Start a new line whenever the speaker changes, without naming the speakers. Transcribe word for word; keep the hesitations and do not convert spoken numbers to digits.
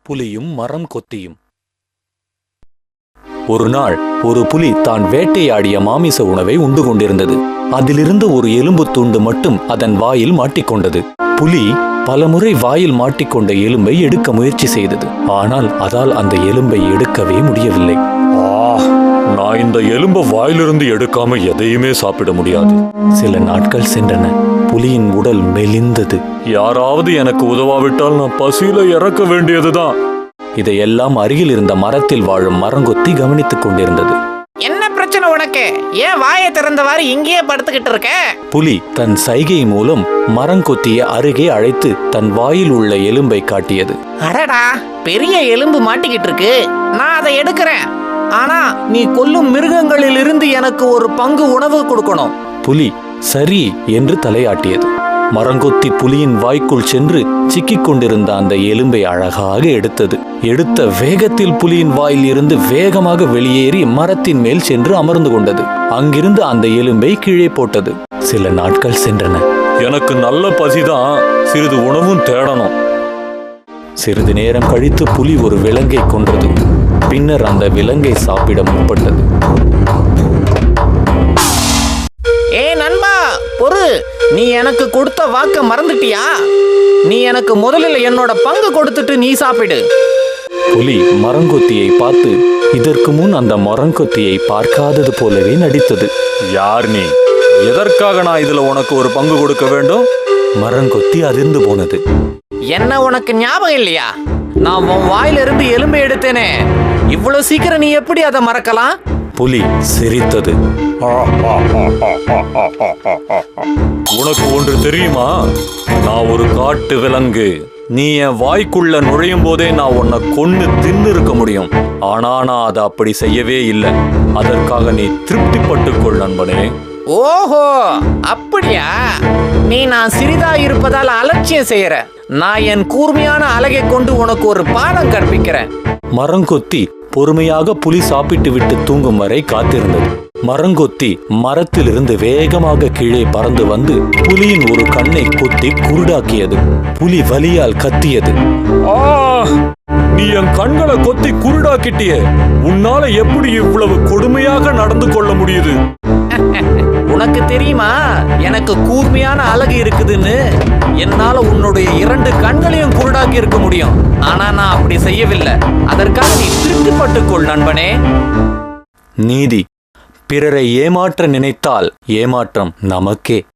புலியும் மரம் கொத்தியும். ஒரு நாள் ஒரு புலி தான் வேட்டையாடிய மாமிச உணவை உண்டு கொண்டிருந்தது. அதிலிருந்து ஒரு எலும்பு துண்டு மட்டும் அதன் வாயில் மாட்டிக்கொண்டது. புலி பலமுறை வாயில் மாட்டிக்கொண்ட எலும்பை எடுக்க முயற்சி செய்தது. ஆனால் அதால் அந்த எலும்பை எடுக்கவே முடியவில்லை. நான் இந்த எலும்பை வாயிலிருந்து எடுக்காம எதையுமே சாப்பிட முடியாது. சில நாட்கள் சென்றன. புலியின் உடல் மெலிந்தது. யாராவது எனக்கு உதவாவிட்டால் நான் பசியில இறக்க வேண்டியதுதான். இதையெல்லாம் அருகில் இருந்த மரத்தில் வாழும் மரங்கொத்தி கவனித்துக் கொண்டிருந்தது.
என்ன பிரச்சனை உனக்கு? ஏன் வாயை திறந்தவாறு இங்கேயே படுத்துக்கிட்டு இருக்க?
புலி தன் சைகை மூலம் மரங்கொத்தியை அருகே அழைத்து தன் வாயில் உள்ள எலும்பை காட்டியது.
அடடா, பெரிய எலும்பு மாட்டிக்கிட்டு இருக்கு. நான் அதை எடுக்கிறேன். ஆனா நீ கொல்லும் மிருகங்களில் இருந்து எனக்கு ஒரு பங்கு உணவு கொடுக்கணும்.
புலி சரி என்று தலையாட்டியது. மரங்கொத்தி புலியின் வாய்க்குள் சென்று சிக்கிக் கொண்டிருந்த அந்த எலும்பை அழகாக எடுத்தது. எடுத்த வேகத்தில் புலியின் வாயில் இருந்து வேகமாக வெளியேறி மரத்தின் மேல் சென்று அமர்ந்து கொண்டது. அங்கிருந்து அந்த எலும்பை கீழே போட்டது. சில நாட்கள் சென்றன. எனக்கு நல்ல பசிதான், சிறிது உணவும் தேடணும். சிறிது நேரம் கழித்து புலி ஒரு விலங்கை கொன்றது. பின்னர் அந்த விலங்கை சாப்பிட முற்பட்டது.
ஏ நண்பா, பொறு, நீ எனக்கு கொடுத்த வாக்க மறந்துட்டியா? நீ எனக்கு முதலில் என்னோட பங்கு கொடுத்துட்டு நீ சாப்பிடு.
புலி மரங்கொத்தியை பார்த்து இதற்கு முன் அந்த மரங்கொத்தியை பார்க்காதது போலவே நடித்தது. யார் நீ? எதற்காக நான் இதுல உனக்கு ஒரு பங்கு கொடுக்க வேண்டும்? மரங்கொத்தி அதிர்ந்து போனது.
என்ன உனக்கு ஞாபகம் இல்லையா? நான் உன் வாயிலிருந்து எலும்பை எடுத்தேனே. இவ்வளவு சீக்கிரம் நீ எப்படி அதை மறக்கலாம்?
புலி சிரித்தது. உனக்கு ஒன்று தெரியுமா? நான் ஒரு காட்டு விலங்கு. நீ என் வாய்க்குள்ள நுழையும் போதே நான் உன்னை கொன்னு தின்னு இருக்க முடியும். ஆனா நான் அதை அப்படி செய்யவே இல்லை. அதற்காக நீ திருப்திப்பட்டுக்கொள் நண்பனே.
ஓஹோ, அப்படியா? நீ நான் சிறிதா இருப்பதால் அலட்சியம் செய்யற. நான் என் கூர்மையான அலகை கொண்டு உனக்கு ஒரு பாடம் கற்பிக்கிறேன்.
மரங்கொத்தி பொறுமையாக புலி சாப்பிட்டு விட்டு தூங்கும் வரை காத்திருந்தது. மரங்கொத்தி மரத்திலிருந்து வேகமாக கீழே பறந்து வந்து புலியின் ஒரு கண்ணை கொத்தி குருடாக்கியது. புலி வலியால் கத்தியது. நீ என் கண்களை கொத்தி குருடாக்கிட்டிய. உன்னால எப்படி இவ்வளவு கொடுமையாக நடந்து கொள்ள முடியுது?
உனக்கு தெரியுமா எனக்கு கூர்மையான அழகு இருக்குதுன்னு? என்னால உன்னுடைய இரண்டு கண்களையும் குருடாக்கி இருக்க முடியும். ஆனா நான் அப்படி செய்யவில்லை. அதற்காக நீ திருப்திப்பட்டுக்கொள் நண்பனே.
நீதி. பிறரை ஏமாற்ற நினைத்தால் ஏமாற்றம் நமக்கே.